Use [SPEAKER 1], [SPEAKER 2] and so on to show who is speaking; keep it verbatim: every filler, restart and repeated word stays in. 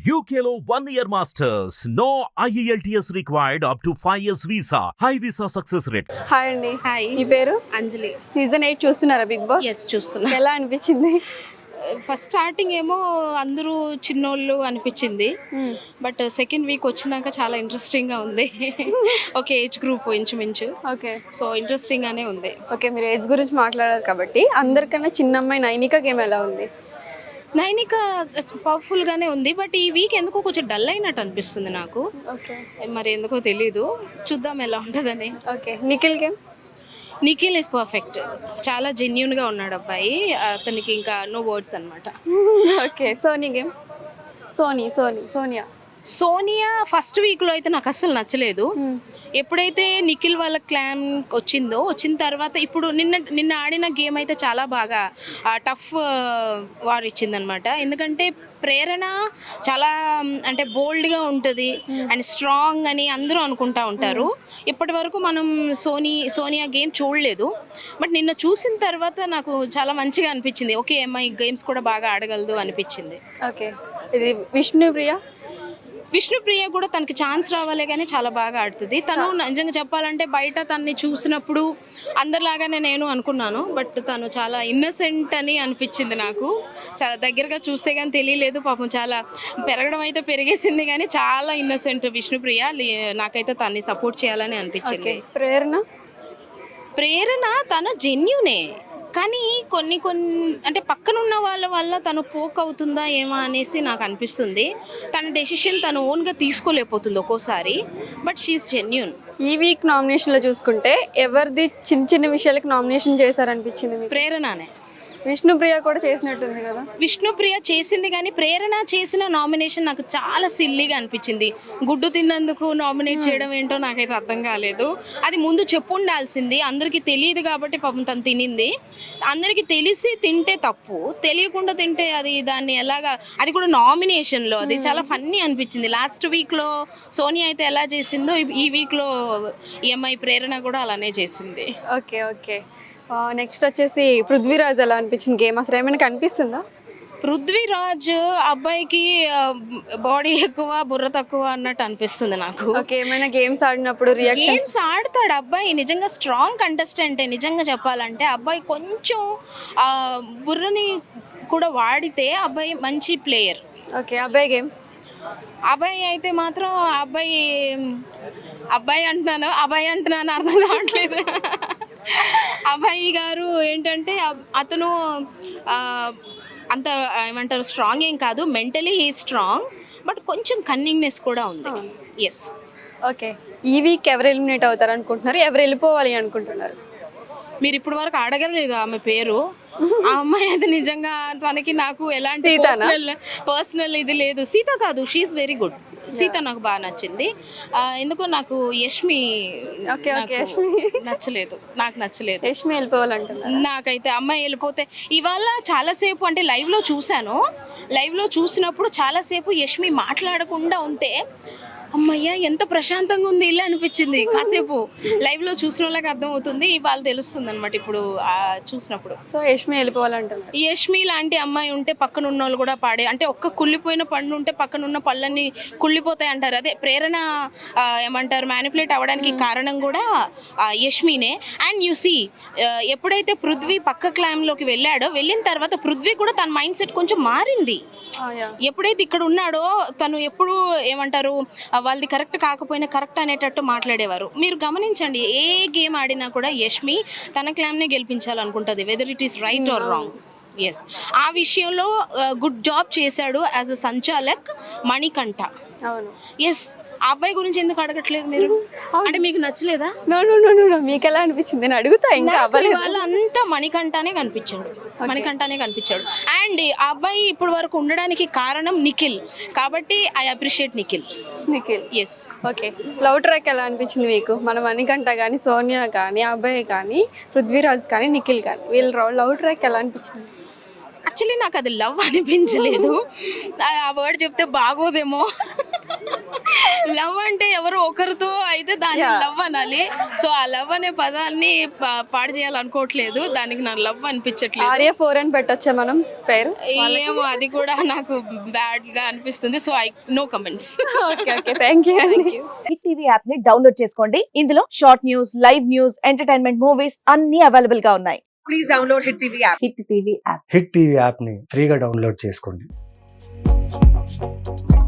[SPEAKER 1] U K లో one year masters. No I E L T S required up to five years visa. High visa success rate.
[SPEAKER 2] Hi అండి.
[SPEAKER 3] Hi,
[SPEAKER 2] మీ పేరు?
[SPEAKER 3] Anjali.
[SPEAKER 2] Season eight చూస్తున్నారా Bigg Boss?
[SPEAKER 3] Yes చూస్తున్నా.
[SPEAKER 2] ఎలా అనిపించింది?
[SPEAKER 3] First starting ఏమో అందరూ చిన్నోళ్ళు అనిపించింది, బట్ సెకండ్ వీక్ వచ్చినాక చాలా ఇంట్రెస్టింగ్గా ఉంది. ఒక ఏజ్ గ్రూప్ ఇంచుమించు,
[SPEAKER 2] ఓకే
[SPEAKER 3] సో ఇంట్రెస్టింగ్గానే ఉంది.
[SPEAKER 2] ఓకే, మీరు ఏజ్ గురించి మాట్లాడారు కాబట్టి అందరికన్నా చిన్న అమ్మాయి నైనిక గేమ్ ఎలా ఉంది?
[SPEAKER 3] నైనిక పవర్ఫుల్గానే ఉంది, బట్ ఈ వీక్ ఎందుకో కొంచెం డల్ అయినట్టు అనిపిస్తుంది నాకు.
[SPEAKER 2] ఓకే
[SPEAKER 3] మరి ఎందుకో తెలీదు, చూద్దాం ఎలా ఉంటుందని.
[SPEAKER 2] Okay, Nikhil game?
[SPEAKER 3] Nikhil is perfect, చాలా జెన్యున్గా ఉన్నాడు అబ్బాయి, అతనికి ఇంకా నో వర్డ్స్ అనమాట.
[SPEAKER 2] Okay, Soni game? Soni Soni Soniya
[SPEAKER 3] Soniya first వీక్లో అయితే నాకు అస్సలు నచ్చలేదు. ఎప్పుడైతే నిఖిల్ వాళ్ళ క్లాన్ వచ్చిందో, వచ్చిన తర్వాత ఇప్పుడు నిన్న నిన్న ఆడిన గేమ్ అయితే చాలా బాగా టఫ్ వార్ ఇచ్చిందనమాట. ఎందుకంటే ప్రేరణ చాలా అంటే బోల్డ్గా ఉంటుంది అండ్ స్ట్రాంగ్ అని అందరూ అనుకుంటా ఉంటారు. ఇప్పటి వరకు మనం సోనీ సోనియా గేమ్ చూడలేదు, బట్ నిన్న చూసిన తర్వాత నాకు చాలా మంచిగా అనిపించింది. ఓకే, అమ్మాయి గేమ్స్ కూడా బాగా ఆడగలదు అనిపించింది.
[SPEAKER 2] ఓకే, ఇది విష్ణుప్రియ?
[SPEAKER 3] విష్ణుప్రియ కూడా తనకి ఛాన్స్ రావాలే కానీ చాలా బాగా ఆడుతుంది. తను నిజంగా చెప్పాలంటే బయట తనని చూసినప్పుడు అందరిలాగానే నేను అనుకున్నాను, బట్ తను చాలా ఇన్నసెంట్ అని అనిపించింది నాకు. చాలా దగ్గరగా చూస్తే కానీ తెలియలేదు, పాపం చాలా పెరగడం అయితే పెరిగేసింది కానీ చాలా ఇన్నసెంట్ విష్ణుప్రియ. నాకైతే తనని సపోర్ట్ చేయాలని అనిపించింది.
[SPEAKER 2] ప్రేరణ?
[SPEAKER 3] ప్రేరణ తన జెన్యునే, కానీ కొన్ని కొన్ని అంటే పక్కనున్న వాళ్ళ వల్ల తను పోక్ అవుతుందా ఏమో అనేసి నాకు అనిపిస్తుంది. తన డెసిషన్ తను ఓన్గా తీసుకోలేకపోతుంది ఒక్కోసారి, బట్ షీఈస్ జెన్యూన్.
[SPEAKER 2] ఈ వీక్ నామినేషన్లో చూసుకుంటే ఎవరిది చిన్న చిన్న విషయాలకు నామినేషన్ చేశారనిపించింది మీకు?
[SPEAKER 3] ప్రేరణనే.
[SPEAKER 2] విష్ణుప్రియ కూడా చేసినట్టుంది కదా?
[SPEAKER 3] విష్ణుప్రియ చేసింది, కానీ ప్రేరణ చేసిన నామినేషన్ నాకు చాలా సిల్లీగా అనిపించింది. గుడ్డు తిన్నందుకు నామినేట్ చేయడం ఏంటో నాకైతే అర్థం కాలేదు. అది ముందు చెప్పు ఉండాల్సింది, అందరికీ తెలియదు కాబట్టి పాపం తను తినింది. అందరికీ తెలిసి తింటే తప్పు, తెలియకుండా తింటే అది దాన్ని ఎలాగా, అది కూడా నామినేషన్లో అది చాలా ఫన్నీ అనిపించింది. లాస్ట్ వీక్లో సోనియా అయితే ఎలా చేసిందో ఈ వీక్లో ఈఎంఐ ప్రేరణ కూడా అలానే చేసింది.
[SPEAKER 2] ఓకే ఓకే, నెక్స్ట్ వచ్చేసి పృథ్వీరాజ్ ఎలా అనిపించింది గేమ్? అసలు ఏమైనా కనిపిస్తుందా?
[SPEAKER 3] పృథ్వీరాజ్ అబ్బాయికి బాడీ ఎక్కువ బుర్ర తక్కువ అన్నట్టు అనిపిస్తుంది నాకు.
[SPEAKER 2] ఓకే, ఏమైనా గేమ్స్ ఆడినప్పుడు రియాక్షన్?
[SPEAKER 3] గేమ్స్ ఆడతాడు అబ్బాయి, నిజంగా స్ట్రాంగ్ కంటెస్టెంటే. నిజంగా చెప్పాలంటే అబ్బాయి కొంచెం బుర్రని కూడా వాడితే అబ్బాయి మంచి ప్లేయర్.
[SPEAKER 2] ఓకే, అబ్బాయి గేమ్?
[SPEAKER 3] అబ్బాయి అయితే మాత్రం అబ్బాయి అబ్బాయి అంటున్నాను అబ్బాయి అంటున్నాను అర్థం కావట్లేదు. అబ్బాయి గారు ఏంటంటే అతను అంత ఏమంటారు స్ట్రాంగ్ ఏం కాదు, మెంటలీ హీ స్ట్రాంగ్, బట్ కొంచెం కన్నింగ్నెస్ కూడా ఉంది. ఎస్.
[SPEAKER 2] ఓకే, ఈ వీక్ ఎవరు ఎలిమినేట్ అవుతారు అనుకుంటున్నారు? ఎవరు వెళ్ళిపోవాలి అనుకుంటున్నారు?
[SPEAKER 3] మీరు ఇప్పటి వరకు అడగలేదు ఆమె పేరు. ఆ అమ్మాయి అయితే నిజంగా తనకి నాకు ఎలాంటి పర్సనల్ ఇది లేదు. సీత కాదు, షీఈస్ వెరీ గుడ్. సీత నాకు బాగా నచ్చింది. ఎందుకో నాకు యష్మి నచ్చలేదు, నాకు నచ్చలేదు.
[SPEAKER 2] యష్మి వెళ్ళిపోవాలంటున్నారు.
[SPEAKER 3] నాకైతే అమ్మాయి వెళ్ళిపోతే ఇవాళ చాలాసేపు అంటే లైవ్లో చూశాను, లైవ్లో చూసినప్పుడు చాలాసేపు యష్మి మాట్లాడకుండా ఉంటే అమ్మయ్య ఎంత ప్రశాంతంగా ఉంది ఇల్లు అనిపించింది. కాసేపు లైవ్లో చూసిన వాళ్ళకి అర్థమవుతుంది, వాళ్ళు తెలుస్తుంది అనమాట ఇప్పుడు చూసినప్పుడు.
[SPEAKER 2] సో యష్మి వెళ్ళిపోవాలంటున్నారు.
[SPEAKER 3] యష్మి లాంటి అమ్మాయి ఉంటే పక్కన ఉన్న వాళ్ళు కూడా పాడే, అంటే ఒక్క కుళ్ళిపోయిన పండు ఉంటే పక్కన ఉన్న పళ్ళని కుళ్ళిపోతాయి అంటారు. అదే ప్రేరణ ఏమంటారు మ్యానిపులేట్ అవ్వడానికి కారణం కూడా యష్మినే. అండ్ యు సీ ఎప్పుడైతే పృథ్వీ పక్క క్లామ్లోకి వెళ్ళాడో, వెళ్ళిన తర్వాత పృథ్వీ కూడా తన మైండ్ సెట్ కొంచెం మారింది. ఎప్పుడైతే ఇక్కడ ఉన్నాడో తను ఎప్పుడు ఏమంటారు వాళ్ళది కరెక్ట్ కాకపోయినా కరెక్ట్ అనేటట్టు మాట్లాడేవారు. మీరు గమనించండి, ఏ గేమ్ ఆడినా కూడా యష్మి తన క్లామ్నే గెలిపించాలనుకుంటుంది, whether it is right or wrong. Yes, ఆ విషయంలో గుడ్ జాబ్ చేశాడు యాజ్ అ సంచాలక్ మణికంఠ.
[SPEAKER 2] అవును.
[SPEAKER 3] ఎస్, ఆ అబ్బాయి గురించి ఎందుకు అడగట్లేదు మీరు? అంటే మీకు నచ్చలేదా?
[SPEAKER 2] నో నో నో నో మీకు ఎలా అనిపించింది? నేను అడుగుతా. ఇంకా అవ్వలేదు.
[SPEAKER 3] వాళ్ళంతా మణికంఠనే కనిపించాడు, మణికంఠనే కనిపించాడు. అండ్ ఆ అబ్బాయి ఇప్పుడు వరకు ఉండడానికి కారణం నిఖిల్, కాబట్టి I appreciate Nikhil.
[SPEAKER 2] Nikhil,
[SPEAKER 3] yes.
[SPEAKER 2] Okay, love track ఎలా అనిపించింది మీకు? మన మణికంఠ కానీ, సోనియా కానీ, అబ్బాయి కానీ, పృథ్వీరాజ్ కానీ, నిఖిల్ కానీ, వీళ్ళ లవ్ ట్రాక్ ఎలా అనిపించింది?
[SPEAKER 3] యాక్చువల్లీ నాకు అది లవ్ అనిపించలేదు, ఆ వర్డ్ చెప్తే బాగోదేమో. లవ్ అంటే ఎవరు ఒకరితో అయితే దాన్ని
[SPEAKER 2] Yeah.
[SPEAKER 3] లవ్ అనాలి. సో ఆ లవ్ అనే పదాన్ని పా- పాడు చేయాలనుకోవట్లేదు, దానికి నా లవ్ అనిపించట్లేదు.
[SPEAKER 2] ఆర్య ఫోర్ అని పెట్టొచ్చా మనం పేరు?
[SPEAKER 3] ఏమో అది కూడా నాకు బ్యాడ్ గా అనిపిస్తుంది. So I no comments.
[SPEAKER 2] Okay okay thank you అండి.
[SPEAKER 4] హిట్ టీవీ యాప్ ని డౌన్లోడ్ చేసుకోండి. ఇందులో short news, live news, entertainment movies అన్ని అవైలబుల్ గా ఉన్నాయి. Please download hit TV app. Hit TV app.
[SPEAKER 5] Hit TV యాప్ని ఫ్రీగా డౌన్లోడ్ చేసుకోండి.